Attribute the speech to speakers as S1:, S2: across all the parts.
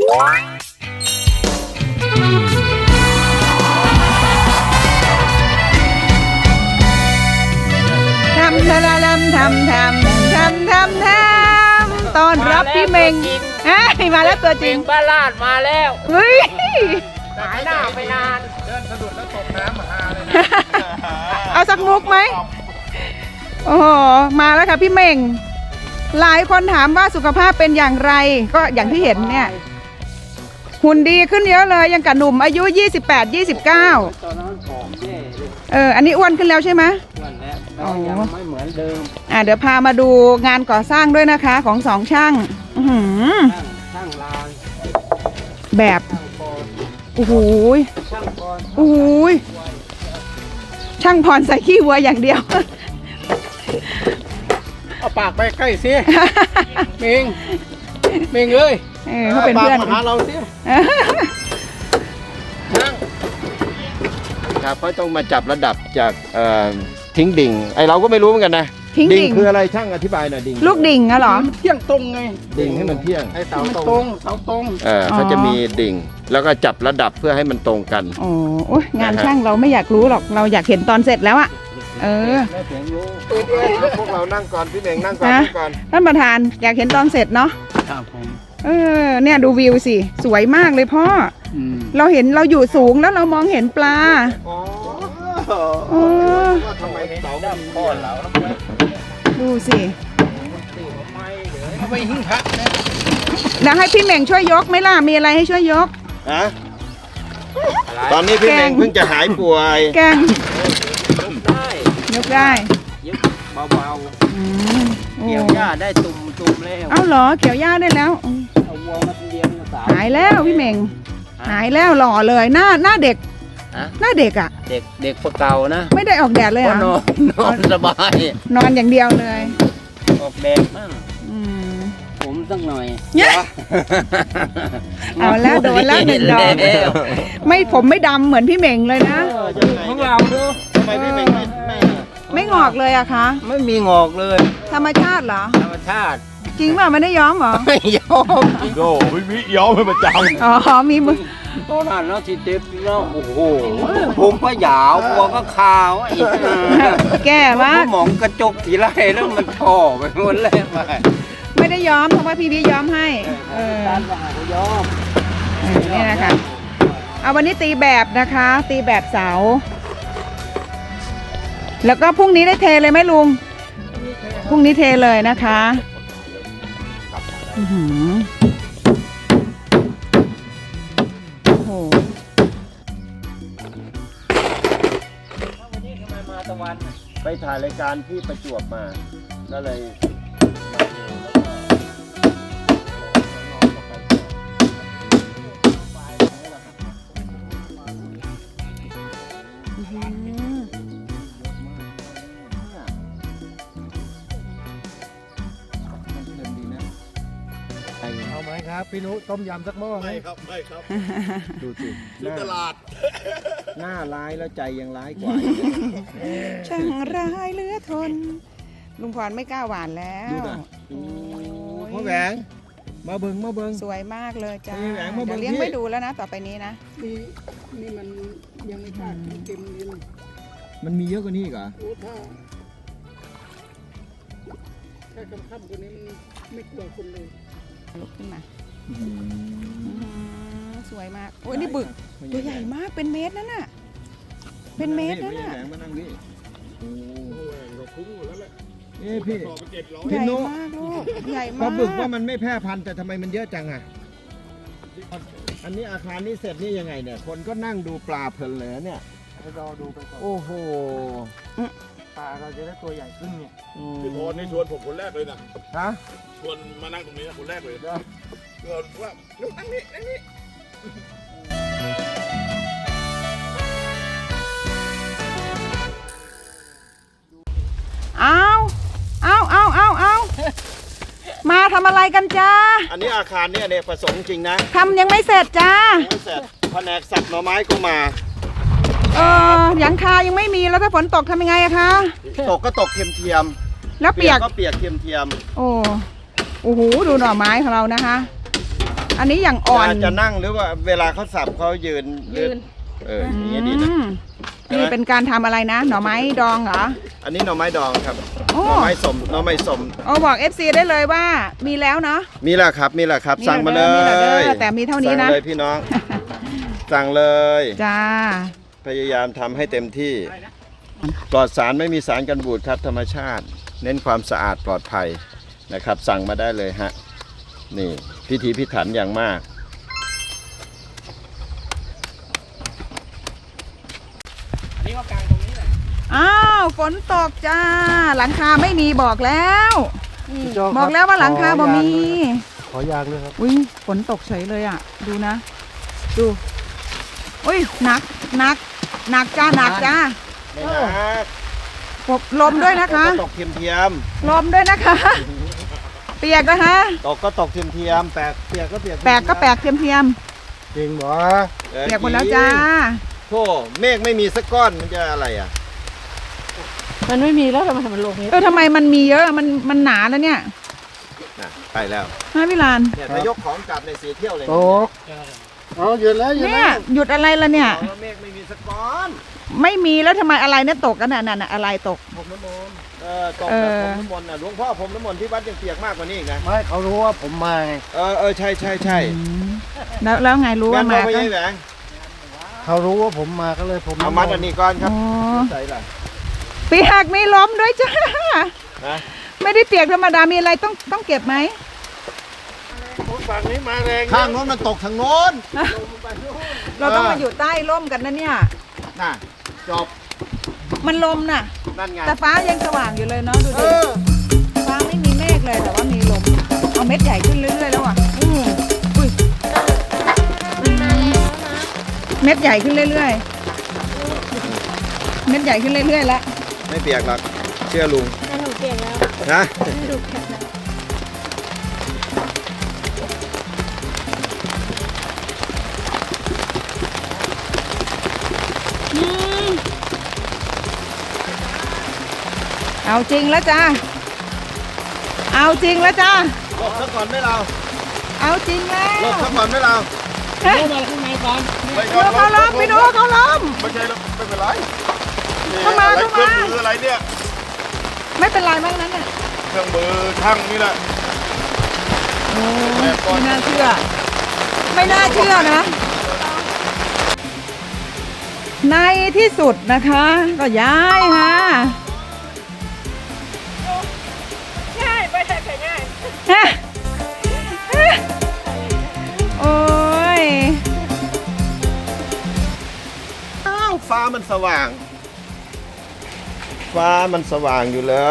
S1: ทำต้อนรับพี่เมงมาแล้วตัวจริง
S2: บ้าลาดมาแล้ว
S1: เฮ้ย
S2: หายหน้าไปนาน
S3: เดินสะดุดแล้วตกน้ำมาหาเลย
S1: เอาสักมุกไหมโอ้โหมาแล้วค่ะพี่เมงหลายคนถามว่าสุขภาพเป็นอย่างไรก็อย่างที่เห็นเนี่ยหุ่นดีขึ้นเยอะเลยยังกับหนุ่มอายุ28-29
S2: ตอนนั้นผอมแย่
S1: อันนี้อ้วนขึ้นแล้วใช่ไหม
S2: อ้วนแล้วยังไม่เหมือนเดิม
S1: เดี๋ยวพามาดูงานก่อสร้างด้วยนะคะของสองช่าง
S2: ช่างลาง
S1: แบบโอ้โหช่างพรใส่ขี้วัวอย่างเดียว
S3: เอาปากไปใกล้สิเมงเลย
S1: เขาเป็นเพื่อน
S3: มาหาเราสิครับเขาต้องมาจับระดับจากทิ้งดิ่งไอเราก็ไม่รู้เหมือนกันนะ
S1: ดิ่ง
S3: คืออะไรช่างอธิบายหน่อยดิ่ง
S1: ลูกดิ่งอะเหรอ
S3: เที่ยงตรงไงดิ่งให้มันเที่ยง
S2: ให้เสาตรง
S3: เขาจะมีดิ่งแล้วก็จับระดับเพื่อให้มันตรงกัน
S1: โอ้งานช่างเราไม่อยากรู้หรอกเราอยากเห็นตอนเสร็จแล้วอะ
S3: พวกเรานั่งก่อนพี่เมงนั่งก่อน
S1: ท่านประธานอยากเห็นตอนเสร็จเนาะ
S2: ครับผม
S1: เนี่ยดูวิวสิสวยมากเลยพ่อเราเห็นเราอยู่สูงแล้วเรามองเห็นปลา
S3: ทำไมเสาดำพ่อเรา
S1: ดูสิ
S3: เอาไปหิ้งพระนะ
S1: แล้วให้พี่เม่งช่วยยกไหมล่ะมีอะไรให้ช่วยยก
S3: ตอนนี้พี่เม่งเพิ่งจะหายป่วย
S1: แกงยกได้
S2: ยกเบาๆเกี่ยวหญ้าได้ตุ่มแล้ว
S1: เอาเหรอเกี่ยวหญ้าได้แล้ว
S2: เอาวัวมาเลี้ยง
S1: หายแล้วพี่เม่งหายแล้วหล่อเลยหน้าเด็กหน้าเด็กอะ
S2: เด็กเก่านะ
S1: ไม่ได้ออกแดดเลยอ่ะ
S2: นอนสบาย
S1: นอนอย่างเดียวเลย
S2: ออกแดดบ้างผมสักหน่อย
S1: เอาแล้วโดนแล้วหนึ่งดอกผมไม่ดำเหมือนพี่เม่งเลยนะ
S2: ของเราดู
S3: ทำไมพี่เม่ง
S1: ไม่งอกเลยอะคะ
S2: ไม่มีงอกเลย
S1: ธรรมชาติเหรอ
S2: ธรรมชาติ
S1: จริงป่ะไม่ได้ย้อมเหรอ
S2: ไม่ย้อม
S3: โอ้ไม่มีย้อมให้ประจำ
S1: มีมือ
S2: ตอนนั้นเนาะที่เด็กเนาะโอ้โหผมก็ยาวหัวก็ขาว
S1: แก่มาก
S2: มองกระจกทีไรแล้วมันท่อไปหมดเลย
S1: ไม่ได้ย้อมเพราะว่าพี่ย้อมให้
S2: การว่าเขาย้อม
S1: นี่นะคะเอาวันนี้ตีแบบนะคะตีแบบเสาแล้วก็พรุ่งนี้ได้เทเลยไหมลุงพรุ่งนี้เทเลยนะคะโอ้โห
S2: วันนี้ทำไมมาตะวัน
S3: ไปถ่ายรายการที่ประจวบมาก็เลย
S4: เอาไหมครับพี่นุต้มยำสักหม้อไหม
S3: ครับดูสิตลาดหน้าร้ายแล้วใจยังร้ายกว่า
S1: ช่างร้ายเหลือทนลุงพรไม่กล้าหวานแล้ว
S3: พ่อแหวงมาเบิ้ง
S1: สวยมากเลยจ้าเดี๋ยวเลี้ยงไม่ดูแล้วนะต่อไปนี้นะ
S4: นี่มันยังไม่ขาดเต็มเลย
S3: มันมีเยอะกว่านี้อีกเหรอ
S4: ถ้ากำค่ำกว่านี้มันไม่กลัวคนเลย
S1: ลุกขึ้นมาสวยมากโอ้ยนี่บึกตัวใหญ่มากเป็นเมตรนั่นน่ะเป็นเมตรนั่นน่ะ
S3: มานั่งดิโอ้เราคุ้มหมดแล้วแหละ
S1: พี่ใหญ่มากลูกใหญ่มาก
S3: ปลาบึกว่ามันไม่แพร่พันธุ์แต่ทำไมมันเยอะจังอ่ะอันนี้อาคารนี้เสร็จนี่ยังไงเนี่ยคนก็นั่งดูปลาเพลินเลยเนี่ย
S4: รอดูไปก่อน
S3: โอ้โห
S4: ปลาเราจะได้ตัวใหญ่ขึ้นเนี่ย
S5: พี่พรนี่ชวนผมคนแรกเลยนะ
S3: ฮะ
S5: ชวนมานั่งตรงนี้คนแรกเลยเกิดว่านั่งนี่
S1: เอามาทำอะไรกันจ้า
S3: อันนี้อาคารเนี่ยผสมจริงนะ
S1: ทำยังไม่เสร็จจ้า
S3: ไม่เสร็จแผนกสับหน่อไม้ก็มา
S1: หลังคายังไม่มีแล้วถ้าฝนตกทำยังไงอะคะ
S3: ตกก็ตกเทียม
S1: แล้วเปียก
S3: ก็เปียกเทียม
S1: โอ้โหดูหน่อไม้ของเรานะคะอันนี้อย่างอ่อน
S3: จะนั่งหรือว่าเวลาเขาสับเขายืนอย่างนี้ดีนะ
S1: นี่เป็นการทำอะไรนะ หน่อไม้ดองเหรอ
S3: อันนี้หน่อไม้ดองครับ
S1: โอ้
S3: หน่อไม้สมหน่อไม้สม
S1: โอ้บอก FC ได้เลยว่ามีแล้วเนาะ
S3: มีแล้วครับมีแล้วครับ
S1: มี
S3: สั่งมาเล
S1: มีแล้วเด้
S3: ย
S1: อแต่มีเท่านี้นะ
S3: สั่งเลยพี่น้อง สั่งเลย
S1: จ้า
S3: พยายามทำให้เต็มที่ปลอดสารไม่มีสารกันบูดครับธรรมชาติ เน้นความสะอาดปลอดภัยนะครับ สั่งมาได้เลยฮะนี่พิถีพิถันอย่างมาก
S1: อ้าวฝนตกจ้า หลังคาไม่มีบอกแล้ว บอกแล้วว่าหลังคาบ่มี
S4: ขอยางด้วยครับ
S1: อุ้ยฝนตกเฉยเลยอ่ะ ดูนะ ดูอุ้ยหนักจ้าหนักจ้า
S3: ไม่นะ
S1: ลมด้วยนะคะ
S3: ตกเทียม
S1: ลมด้วยนะคะ เปียกนะคะ
S3: ตกก็ตกเทียมแปลกเปียกก็เปียก
S1: แปลกก็แปลกเทียม
S4: จริงเหรอ
S1: เปียกหมดแล้วจ้า
S3: โธ่เมฆไม่มีสักก้อนมันจะอะไรอ่ะ
S6: มันไม่มีแล้วทำไมมันลงนี้
S1: ทำไมมันมีเยอะมันหนาแล้วเนี่ย
S3: น่ะไปแล้ว
S1: ฮะพี่ลาน
S3: เนี่ยถ้ายกของกลับในสีเที่ยวเลย
S4: ตกเอาหยุดแล้วหยุด
S1: เนี่ย
S4: แล้ว
S1: หยุดอะไรล่ะเนี่ย
S3: เมฆไม่มีสักก้อน
S1: ไม่มีแล้วทำไมอะไรเนี่ยตกกันน่ะอะไรตก
S3: ผมน้ำมนต์ตกแบบผมน้ำมนต์น่ะหลวงพ่อผมน้ำมนต์ที่วัดยังเปียกมากกว่านี้อีกนะ
S4: ไม่เขารู้ว่าผมมาไง
S3: ใช่
S1: แล้วไงรู้
S3: แม่
S1: ว่าน
S3: บอ
S1: มาก
S3: ไม่
S1: ก็
S3: ใช่แหวง
S4: เขารู้ว่าผมมาก็เลยผม
S3: เอามัดอันนี้ก่อนครับ
S1: อ๋อ
S3: ใส่ละ
S1: เปียกไม่ล้มด้วยจ้า
S3: นะ
S1: ไม่ได้เปียกธรรมดามีอะไรต้องเก็บไหม
S4: ฝั่งนี้มาแรง
S3: ข้างโน้นมันตกทางโน้น
S1: เราต้องมาอยู่ใต้ร่มกันนะเนี่ย
S3: น่ะจบ
S1: มันลมน่ะ
S3: นั่นไง
S1: แต่ฟ้ายังสว่างอยู่เลยเนาะดูดิฟ้าไม่มีเมฆเลยแต่ว่ามีลมเอาเม็ดใหญ่ขึ้นเรื่อยๆแล้วอ่ะอุ้ยเม็ดใหญ่ขึ้นเรื่อยๆเม็ดใหญ่ขึ้นเรื่อยๆแล้ว
S3: ไม่เปียกหรอกเชื่อลุง
S6: แต่หนูเปลี่ยนแล้ว
S3: นะ
S6: หนูเปลี่ยนแล้ว
S1: เอาจริงแล้วจ้าเอาจริงแล้วจ้า
S3: หลบซะก่อนไหม่เรา
S1: เอาจริงแล้ว
S3: หลบซะก่อนไหม่เรา
S1: เฮ้ย
S4: มาข้างในก่อน
S1: ดูเขาล้มไปดูเขาล้ม
S5: ไม่ใช่แล้วไม่เป็นไร
S1: เข้ามา
S5: อะไร
S1: เข้า
S5: เค
S1: มา
S5: รื่องมืออะไรเนี่ย
S1: ไม่เป็นไรมากนั้นน่ะ
S5: เครื่องมือช่างนี่แหละ
S1: โอ้ไม่น่าเชื่อ ไม่น่าเชื่อนะ ในที่สุดนะคะ ก็ย้ายค่ะง่ายไปใช่ง่ายโอ้ย
S3: อ้าวฟ้ามันสว่าง ฟ้ามันสว่างอยู่เลย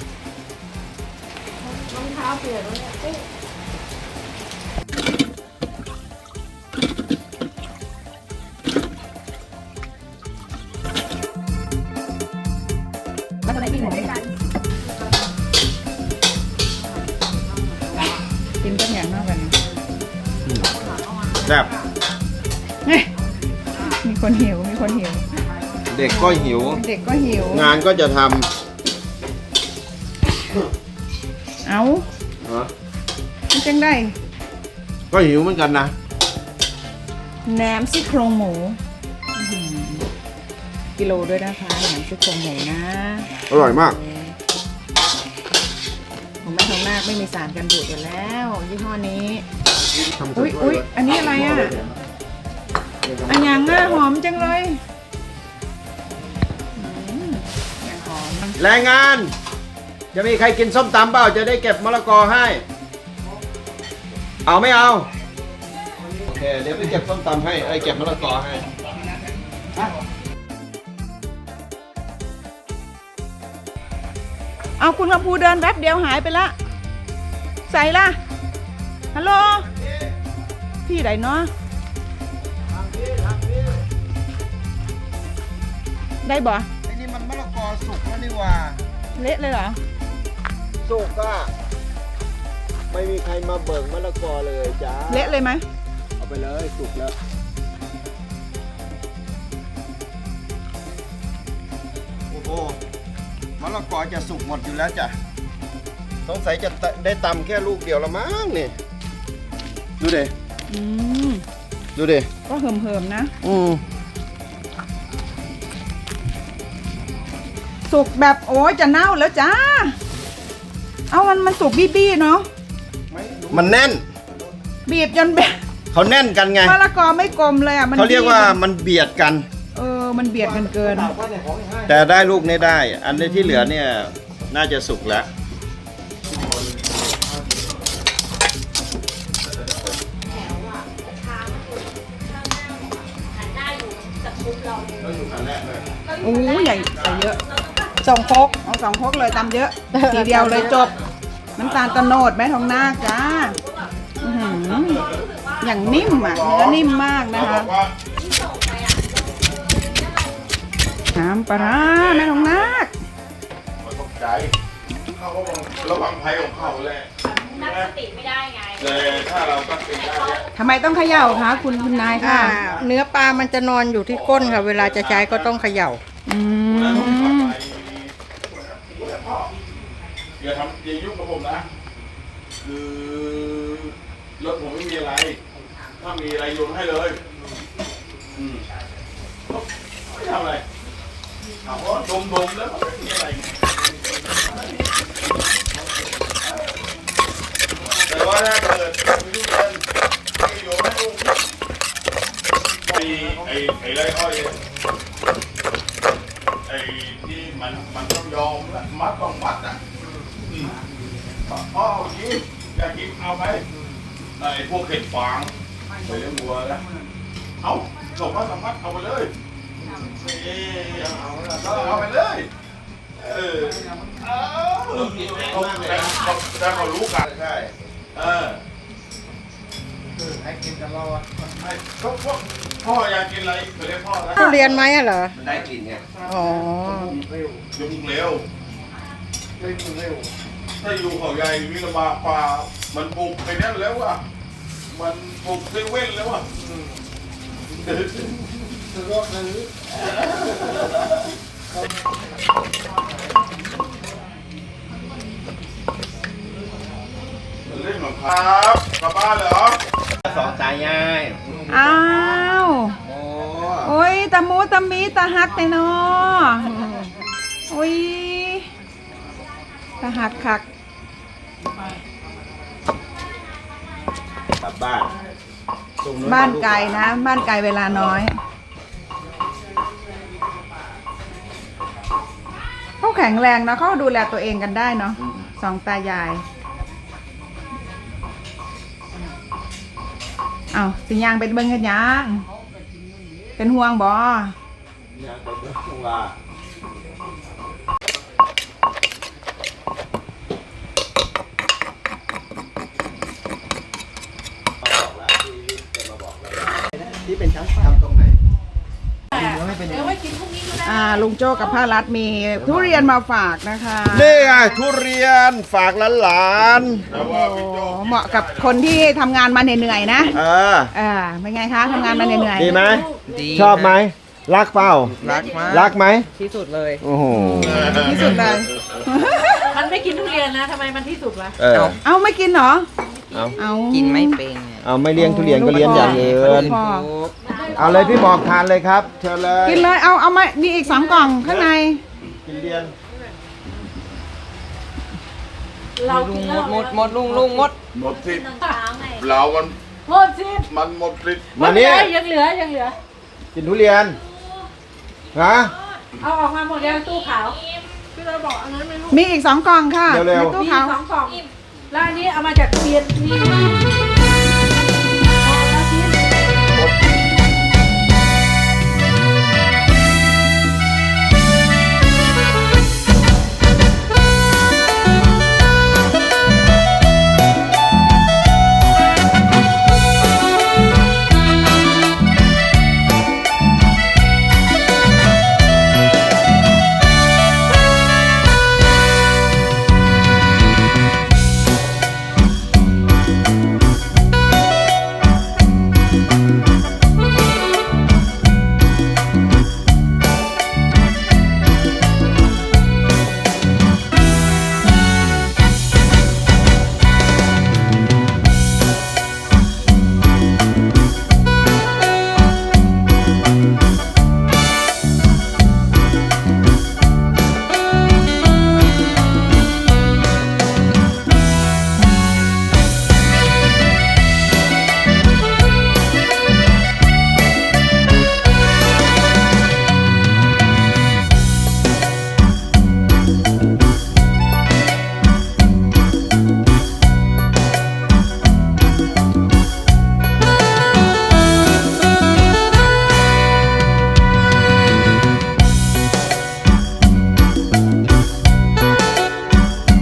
S1: แล้วก็ได้กินหมดด้วยกันกินต้มยำมากกัน
S3: แบบ
S1: มีคนหิว
S3: เด็กก็หิว
S1: เด็กก็หิว
S3: งานก็จะท
S1: เอา
S3: ำ
S1: มันจังได้
S3: ก็หิวเหมือนกันนะ
S1: แหนมซี่โครงหมูกิโลด้วยนะคะแหนมซี่โครงหมูนะ
S3: อร่อยมาก
S1: ของแม่ทองนาคไม่มีสารกันบูดอยู่แล้วยี่ห้อนี้อุ๊ยอันนี้อะไรอ่ะอันยังอ่ะหอมจังเลยอย่างหอม
S3: แรงงาน จะมีใครกินส้มตำเปล่าจะได้เก็บมะละกอให้ เอาไม่เอา โอเค เดี๋ยวไปเก็บส้มตำให้เก็บมะละกอให้
S1: เอาคุณคำพูเดินแป๊บเดียวหายไปละใส่ละฮัลโหลพี่ไหนเนาะได้บ่
S3: ไอ้นี่มันมะละกอสุกแล้วนี่ว่า
S1: เละเลยเหรอ
S3: สุกก็ไม่มีใครมาเบิกมะละกอเลยจ้า
S1: เละเลยไหม
S3: เอาไปเลยสุกแล้ว โอ้โหมะละกอจะสุกหมดอยู่แล้วจ้ะสงสัยจะได้ตำแค่ลูกเดียวละมั้งนี่ดูดิ
S1: ออืม
S3: ดูดิ
S1: ก็เหิมๆนะ สุกแบบโอ้ยจะเน่าแล้วจ้า เอามันสุกบี้ๆเนาะ
S3: มันแน่น
S1: บีบจนแบบ
S3: เขาแน่นกันไง
S1: มะละกอไม่กลมเลยอ่ะ มัน
S3: เขาเรียกว่า
S1: บี้
S3: มันเบียดกัน
S1: มันเบียดกันเกิน
S3: แต่ได้ลูกนี้ได้ อันที่เหลือเนี่ยน่าจะสุกแล้ว
S1: โอ้ใหญ่เยอะสองครกเอา2 ครกเลยตำเยอะ ทีเดียวเลยจบ น้ำตาลตะโนดแม่ทองนาคจ้าอื้อหืออย่างนิ่มอ่ะเนื้อนิ่มมากนะคะน้ำปลาร้าแม่ทองนาค
S5: ตกใจเขาก็บอกระวังภัยของเขาแหละ
S7: ตั้งสติไม่ได้ไง
S5: แต่ถ้าเราตั้งสติได้เนี่ย
S1: ทำไมต้องเขย่าคะคุณนายค่ะ
S6: เนื้อปลามันจะนอนอยู่ที่ก้นค่ะ เวลาจะใช้ก็ต้องเขย่า
S1: อืม
S5: อย่าทำอย่ายุ่งกับผมนะ คือรถผมไม่มีอะไร ถ้ามีอะไรโยนให้เลยไม่ทำอะไรถามว่าดมๆแล้วมันไม่มีอะไร แต่ว่าถ้าเกิดมีลูกเรียนไม่โยนให้ลูกไอ้ไรอ้อยเนี่ยไอ้ที่มันต้องยอมละมัดต้องมัดอ่ะพ่อกินอยากกินเอาไปไอ้พวกเห็ดฟางไปเลี้ยงวัวนะเอาส่งมาสัมผัสเอาไปเลยเอาไปเลยถ้าเขารู้กันใช่ให้กินกันเราอ่ะพ่ออยากกินอะไรไปเรียกพ่อนะ
S6: ทุเรียนไหมอะเหรอ
S2: มันได้กลิ่นไง
S6: อ๋อ
S5: ยุ่งเร็วถ้าอยู่เขาใหญ่มีลำบากป่ามันปลูกไปนั่นแล้วอ่ะมันปลูกเซเว่นแล้วอ่ะเล่นของครับกลับบ้านเหรอ
S2: สองตายาย
S1: อ้าว
S2: โอ้
S1: โอ้ยตะมูตะมีตะฮักแต่นอโอ้ยตะหักคัก
S3: กลับบ้าน
S1: บ้านไกลนะ บ้านไกลเวลาน้อยเขาแข็งแรงนะเขาดูแลตัวเองกันได้เนาะสองตายายเอาสิยางเป็นเบิ้งกันยังเป็นห่วงบ่
S3: ยังไปเบิ่งว่า ที่เป็นช่างทำตรงไหน
S1: ลุงโจ้กับพ่อรัฐมีทุเรียนมาฝากนะคะ
S3: นี่ไงทุเรียนฝากหลาน
S5: แต่ว่าพี่โจ
S1: เหมาะกับคนที่ทำงานมาเหนื่อยๆนะ
S3: ๆ
S1: เป็นไงคะทำงานมาเหนื่อย
S3: ดีไหม
S8: ดี
S3: ชอบไหม รักเปล่า
S8: รักมาก
S3: รักไหม
S8: ที่สุดเลย
S3: โอ้โห
S1: ๆที่สุดเลย
S6: มันไม่กินทุเรียนนะทำไมมันที่สุดวะ
S1: เอาไม่กินเหรอ
S3: เอา
S1: เอา
S8: กินไม่เป็น
S3: เอาไม่เลี้ยงทุเรียนก็เลี้ยงอย่างอื่
S8: คนอื่
S3: น
S8: น
S1: พอ
S8: ทุก
S3: เอาเลยพี่บอกทานเลยครับ เชิญเลย
S1: กินเลยเอามามีอีก2 กล่องข้างใน
S3: กินเรียน
S6: เรากินเหล้า
S8: หมดลุงหมด
S5: หมดสิทธิ์
S7: ตอนเช้าไง
S5: เรามัน
S6: หมดสิ
S5: มันหมดสิทธิ์
S3: มานี่
S6: ยังเหลือ
S3: กินทุเรียนฮะ
S6: เอาออกมาหมดยังตู้ขาวพี่เราบอกอันนั้นไม่รู้
S1: มีอีก2 กล่องค่ะ
S3: เร็วๆ
S1: ในตู้
S6: มี
S1: เขา
S6: 2 กล่องแล้วอันนี้เอามาจากเรียนนี่